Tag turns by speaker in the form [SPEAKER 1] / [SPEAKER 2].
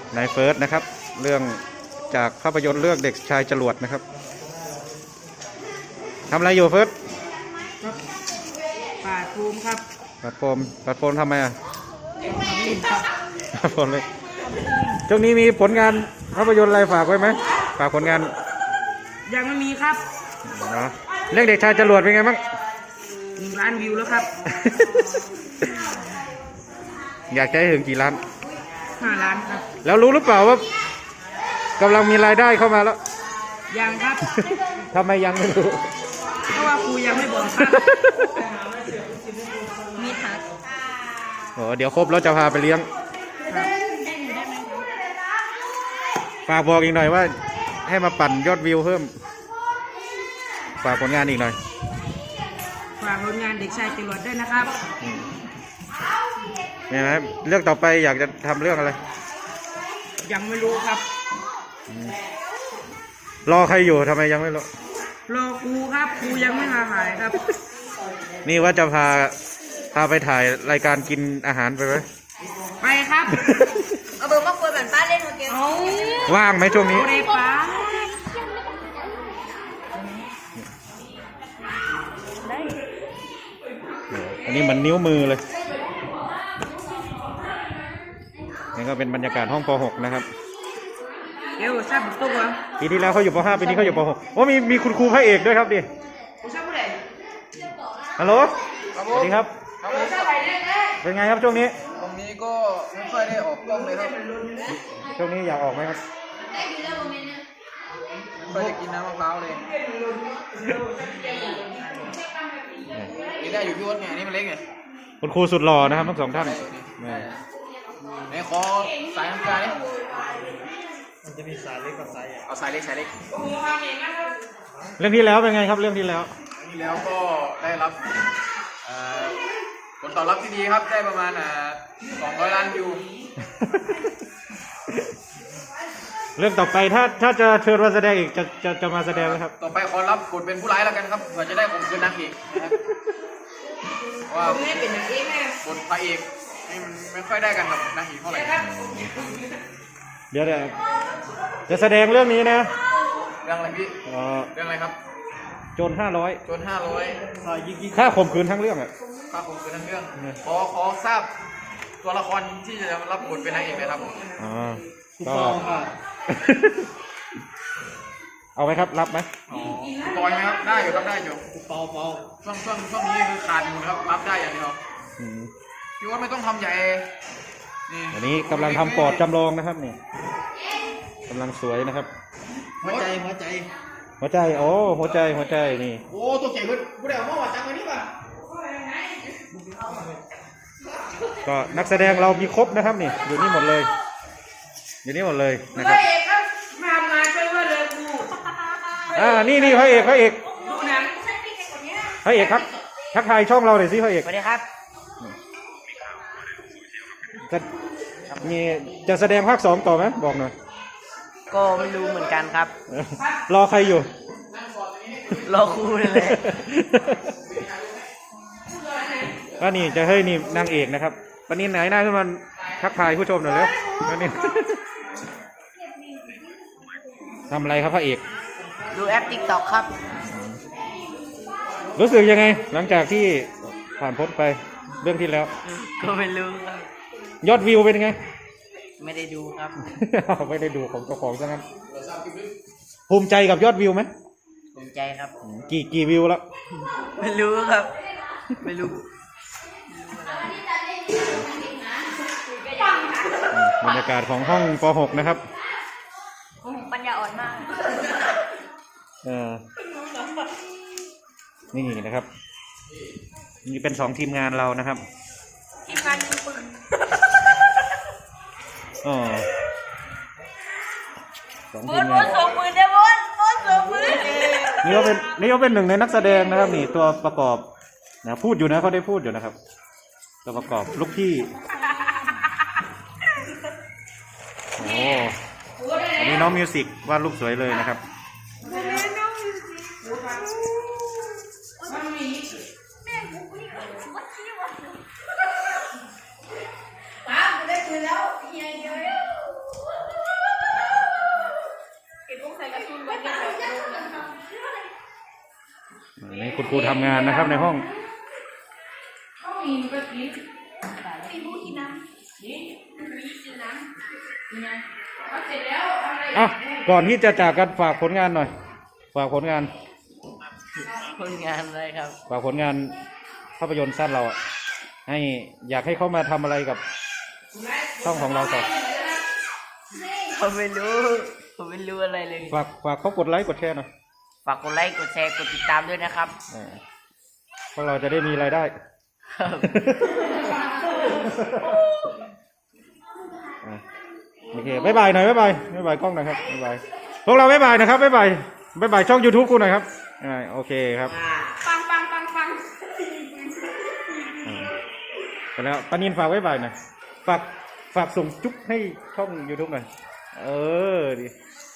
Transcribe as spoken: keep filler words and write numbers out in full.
[SPEAKER 1] นายเฟิร์สนะครับเรื่องจากภาพยนตร์เรื่องเด็กชายจรวดนะครับทำอะไรอยู่เฟิร์ส
[SPEAKER 2] ปาดโฟมครับ
[SPEAKER 1] ปาดโฟมปาดโฟมทำไมอ่ะ
[SPEAKER 2] ทำลินครับ
[SPEAKER 1] ปาดโฟมเลยช่วงนี้มีผลงานภาพยนตร์อะไรฝากไว้ไหมฝากผลงาน
[SPEAKER 2] ยังไม่มีครับ
[SPEAKER 1] เนาะเรื่องเด็กชายจรวดเป็นไงบ้าง
[SPEAKER 2] หนึ่งล้านวิวแล้วครับ
[SPEAKER 1] อยากจะให้ถึงกี่ล้าน
[SPEAKER 2] ห้าล้านครับ
[SPEAKER 1] แล้วรู้หรือเปล่าว่ากำลังมีรายได้เข้ามาแล้ว
[SPEAKER 2] ยังครับ
[SPEAKER 1] ทำไมยังไม่รู้
[SPEAKER 2] เพราะว่าครูยังไม่บอกครับมีทัก
[SPEAKER 1] โอ้เดี๋ยวครบแล้วจะพาไปเลี้ยงฝากบอกอีกหน่อยว่าให้มาปั่นยอดวิวเพิ่มฝากผลงานอีกหน่อย
[SPEAKER 2] ฝากผลงานเด็กชายจรวดด้วยนะครับ
[SPEAKER 1] เนี่ยนะเรื่องต่อไปอยากจะทำเรื่องอะไร
[SPEAKER 2] ยังไม่รู้ครับ
[SPEAKER 1] รอใครอยู่ทำไมยังไม่รู้
[SPEAKER 2] รอครูครับครูยังไม่มาถ่ายครับ
[SPEAKER 1] นี่ว่าจะพาพาไปถ่ายรายการกินอาหารไปไหม
[SPEAKER 2] ไปครับ
[SPEAKER 3] เอาเบอร์มาคุยแบบป้าเล่นโอเค
[SPEAKER 1] ว่างไหมช่วงนี้
[SPEAKER 2] ป้า
[SPEAKER 1] อันนี้มันนิ้วมือเลยนี่ก็เป็นบรรยากาศห้องป .หก นะครับ
[SPEAKER 2] เดี๋ยวทราบตุ๊กวะ
[SPEAKER 1] ปีที่แล้วเขาอยู่ป .ห้า ปีนี้เขาอยู่ป .หก โอ้มีมีคุณครูพระเอกด้วยครับดิฮัลโหลสวัสดีครับเป็นไงครับช่วงนี้
[SPEAKER 4] ตรงนี้ก็ไม่ค่อยได้ออกกล้องเลยครับ
[SPEAKER 1] ช่วงนี้อยากออกไหมครับ
[SPEAKER 4] ไม่ค่อยได้กินน้ำมะพร้าวเลยนี่ได้อยู่พี่วดไงนี่มันเล็กไง
[SPEAKER 1] คุณครูสุดหล่อนะครับทั้งสองท่าน
[SPEAKER 4] ไหนขอสายน้ำตาลนี่มันจะมีสายเล็กกับสายใหญ่เอาสายเล็กสายเล็ก
[SPEAKER 1] เรื่องที่แล้วเป็นไงครับเรื่องที่แล้ว
[SPEAKER 4] ที่แล้วก็ได้รับผลตอบรับที่ดีครับได้ประมาณสองร้อยล้านวิว
[SPEAKER 1] เรื่องต่อไปถ้าถ้าจะเชิญมาแสดงอีกจะจะจะมาแสดงไหมครับ
[SPEAKER 4] ต่อไปขอรับบทเป็นผู้ร้ายแล้วกันครับเผื่อจะได้ข่มขืนนางเอกนะครับว่าไม่เป็นนางเอกบทพระเอกมันไม่ค่อยได้กันกับนางเอกเท่าไหร่
[SPEAKER 1] เดี๋ยวเดี๋ยวจะแสดงเรื่องนี้นะ
[SPEAKER 4] เรื่องอะไรพี่เรื่องอะไรครับ
[SPEAKER 1] โจรห้าร้อย
[SPEAKER 4] โจรห้าร้อย
[SPEAKER 1] ค่าข่มขืนทั้งเรื่องอ่ะ
[SPEAKER 4] ค่าข่มขืนทั้งเรื่องขอขอทราบตัวละครที่จะรับบทเป็นนางเอกเลยครับ
[SPEAKER 1] อ๋อก็เอาไหมครับรับไหม
[SPEAKER 4] ปอยไหมครับได้อยู่ครับได้อยู่เปาเปาช่วงช่วงช่วงนี้คือขาดอยู่ครับรับได้อย่างเดียวพี่ว่าไม่ต้องทำใหญ่
[SPEAKER 1] นี่อันนี้กำลังทำปอดจำลองนะครับนี่กำลังสวยนะครับ
[SPEAKER 4] หัวใจหัวใจ
[SPEAKER 1] หัวใจโอ้หัวใจหัวใจนี่
[SPEAKER 4] โอ้ตัวเจ๋งเลยผู้ใดเอามาวัดจังวันนี้ป่ะ
[SPEAKER 1] ก็นักแสดงเรามีครบนะครับนี่อยู่นี่หมดเลยอยู่นี่หมดเลยนะครับ
[SPEAKER 2] พระเอกครับมามาช่วยว่าเลยครู
[SPEAKER 1] อ่านี่นี่พระเอกพระเอก
[SPEAKER 2] ดูหนัง
[SPEAKER 1] พระเอกครับทักทายช่องเราหน่อยสิพระเอก
[SPEAKER 2] สวัสดีครับ
[SPEAKER 1] จะมีจะแสดงภาคสองต่อไหมบอกหน่อย
[SPEAKER 2] ก็ไม่รู้เหมือนกันครับ
[SPEAKER 1] รอใครอยู่
[SPEAKER 2] รอครูเลย
[SPEAKER 1] ก็นี่จะให้นี่นางเอกนะครับวันนี้ไหนหน้าขึ้นมาทักทายผู้ชมหน่อยเลยวันนี้ทำอะไรครับพระเอก
[SPEAKER 2] ดูแอป ติ๊กต็อก ครับ
[SPEAKER 1] รู้สึกยังไงหลังจากที่ผ่านพ้นไปเรื่องที่แล้ว
[SPEAKER 2] ก็ไม่รู้ครับ
[SPEAKER 1] ยอดวิวเป็นไง
[SPEAKER 2] ไม่ได้ดูครับ
[SPEAKER 1] ไม่ได้ดูของเจ้าของซะงั้นภูมิใจกับยอดวิวไหม
[SPEAKER 2] ภูมิใจครับ
[SPEAKER 1] กี่กี่วิวแล้ว
[SPEAKER 2] ไม่รู้ครับไม่รู้
[SPEAKER 1] บรรยากาศของห้องป .หก นะครับ
[SPEAKER 3] ปัญญาอ่อนมาก
[SPEAKER 1] เออนี่นะครับนี่เป็นสองทีมงานเรานะครับ
[SPEAKER 3] ทีมงานยิงปืน
[SPEAKER 1] อ๋อ
[SPEAKER 3] สองทีมงานบนส่งปืนได้บนบนส่งปืน
[SPEAKER 1] นี่เขาเป็นนี่เขาเป็นหนึ่งในนักแสดงนะครับนี่ตัวประกอบนะพูดอยู่นะเขาได้พูดอยู่นะครับตัวประกอบลูกพี่โอ้อันนี้น้องมิวสิกวาดรูปสวยเลยนะครับคุณครูทำงานนะครับในห้อง
[SPEAKER 2] ต้องมีก็กิน
[SPEAKER 3] มีผู้กินน้ำ
[SPEAKER 2] นี่
[SPEAKER 3] กินน้ำ
[SPEAKER 2] ยังไงเอาเสร็จแล้วทำอะไร
[SPEAKER 1] อ่ะก่อนที่จะจากกันฝากผลงานหน่อย ฝากผลงาน
[SPEAKER 3] ผลงานอะไรครับ
[SPEAKER 1] ฝากผลงานภาพยนตร์สั้นเราอะให้อยากให้เขามาทำอะไรกับช่องของเราต่อ
[SPEAKER 3] ผมไม่รู้ผมไม่รู้อะไรเลย
[SPEAKER 1] ฝากฝากเขากดไลค์กดแชร์หน่อย
[SPEAKER 3] ฝากกดไลค์กดแชร์กดติดตามด้วยนะครับ
[SPEAKER 1] อ่าพวกเราจะได้มีรายได้ อ่ะโอเคบ๊ายบายหน่อยบ๊ายบายบ๊ายบายกล้องหน่อยครับบ๊ายบายพวกเราบ๊ายบายนะครับบ๊ายบายบ๊ายบายช่อง YouTube กูหน่อยครับอ่าโอเคครับ
[SPEAKER 2] ปังปังปังปัง
[SPEAKER 1] อ่าไปแล้วปานินฝากบ๊ายบายหน่อยฝากฝากส่งจุ๊บให้ช่อง YouTube หน่อยเออดี